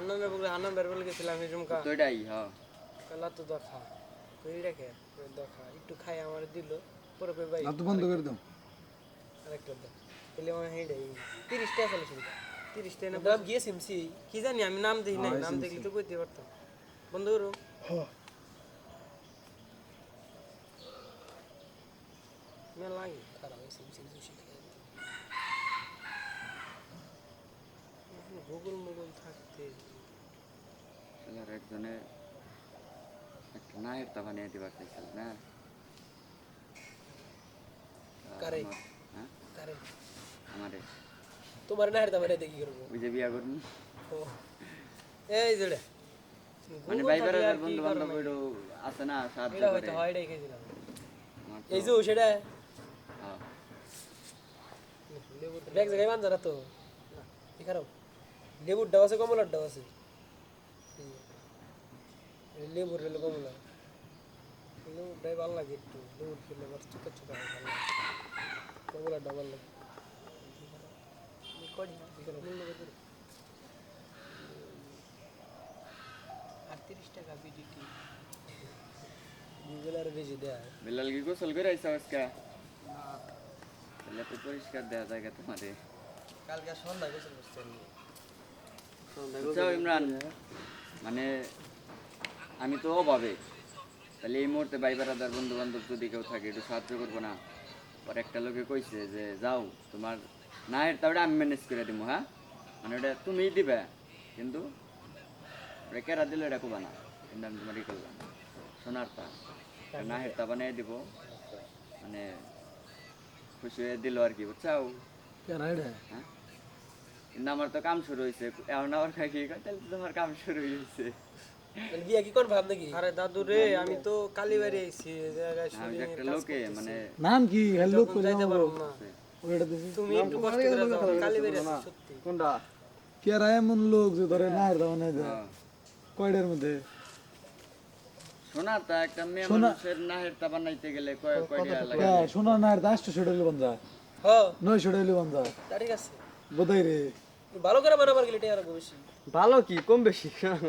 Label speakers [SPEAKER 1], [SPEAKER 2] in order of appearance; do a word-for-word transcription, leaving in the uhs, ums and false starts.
[SPEAKER 1] হান্নানের বলে হান্নান বের বলে গেছিলাম এই জমকা
[SPEAKER 2] তো এটাই হ্যাঁ
[SPEAKER 1] কালা তো দেখা কই রেখে দেখা একটু খাই আমার দিল পরে কই ভাই
[SPEAKER 3] না তো বন্ধ করে দাও
[SPEAKER 1] আরেকটা দাও তাহলে আমার হেডাই তিরিশ টাকা ফেলে শুনতে তিরিশ টাকা নাম গিয়ে সিমসি কি জানি আমি নাম দেখি নাই নাম দেখলে তো কইতে পারতাম বন্ধ করো
[SPEAKER 3] হ্যাঁ
[SPEAKER 1] না লাগে খারাপ সিমসি সুশি গুগল মুগল থাকতে
[SPEAKER 2] আর একজনে একটা নায়ের তা বানিয়ে দিবার চাইছিল না
[SPEAKER 1] কারে
[SPEAKER 2] হ্যাঁ
[SPEAKER 1] কারে
[SPEAKER 2] আমারে
[SPEAKER 1] তোমার না হেরতা বাইরে দেখি করব
[SPEAKER 2] ওই যে বিয়া করুন
[SPEAKER 1] এই জড়ে
[SPEAKER 2] মানে ভাই বেড়ার বন্ধু বান্ধব ওইটো আছে না সাহায্য
[SPEAKER 1] এটা
[SPEAKER 2] করে
[SPEAKER 1] হয়তো হয় এটাই খেয়েছিলাম
[SPEAKER 2] আমার তো-
[SPEAKER 1] এই যে সেটা
[SPEAKER 2] হ্যাঁ
[SPEAKER 1] ব্যাগ জায়গায় বান্ধা না তো কি খারাপ লেবুর ডাব আছে কমলার ডাব আছে লেবুর রেলে কমলা লেবুর ডাব ভালো লাগে একটু লেবুর খেলে আবার চোখা চোখা ভালো লাগে কমলার ডাব ভালো লাগে করি না আটত্রিশ টাকা বিডিটি গুগল আর বেশি দেয়
[SPEAKER 2] বেলাল কি গোসল করে আইসা আজকে তাহলে তো পরিষ্কার দেওয়া জায়গা তোমারে
[SPEAKER 1] কালকে সন্ধ্যা গোসল করতে
[SPEAKER 2] বুঝছো ইমরান মানে আমি তো অভাবে তাহলে এই মুহূর্তে ভাই বেড়াদার বন্ধু বান্ধব যদি কেউ থাকে একটু সাহায্য করবো না পর একটা লোকে কইছে যে যাও তোমার না এর তাহলে আমি ম্যানেজ করে দিব হ্যাঁ মানে ওটা তুমিই দিবে কিন্তু ওটা কেরা দিলে এটা কোবা না কিন্তু আমি তোমার ই করলাম সোনার তা না হেরতা বানিয়ে দিব মানে খুশি হয়ে দিল আর কি বুঝছাও
[SPEAKER 3] কেন এটা
[SPEAKER 2] হ্যাঁ কিন্তু আমার তো কাম শুরু হয়েছে এখন আমার খাই কি কয় তাহলে তো তোমার কাম শুরু হয়েছে
[SPEAKER 1] বিয়া কি কোন ভাব নাকি আরে দাদু রে আমি তো কালীবাড়ি আইছি এই জায়গায়
[SPEAKER 2] আমি যে একটা লোকে মানে
[SPEAKER 3] নাম কি হ্যালো করে
[SPEAKER 1] যাইতে পারো না
[SPEAKER 3] ওটা দিছি
[SPEAKER 1] তুমি একটু কষ্ট করে যাও কালীবাড়ি আছি সত্যি
[SPEAKER 4] কোনটা
[SPEAKER 3] কি আর এমন লোক যে ধরে না দাও না দেয়
[SPEAKER 2] হ্যাঁ।
[SPEAKER 3] কয়টার মধ্যে
[SPEAKER 2] শোনা তা একটা মেয়ে মানুষের নাহের তা বানাইতে গেলে কয় কয় টাকা লাগে
[SPEAKER 3] হ্যাঁ শোনা না আর দাসটা ছড়াইলে বন্ধা
[SPEAKER 1] হ্যাঁ
[SPEAKER 3] নয় ছড়াইলে বন্ধা
[SPEAKER 1] তা ঠিক আছে
[SPEAKER 3] বোধাই রে
[SPEAKER 1] ভালো করে বানাবার গেলে এটা আর বেশি
[SPEAKER 4] ভালো কি কম বেশি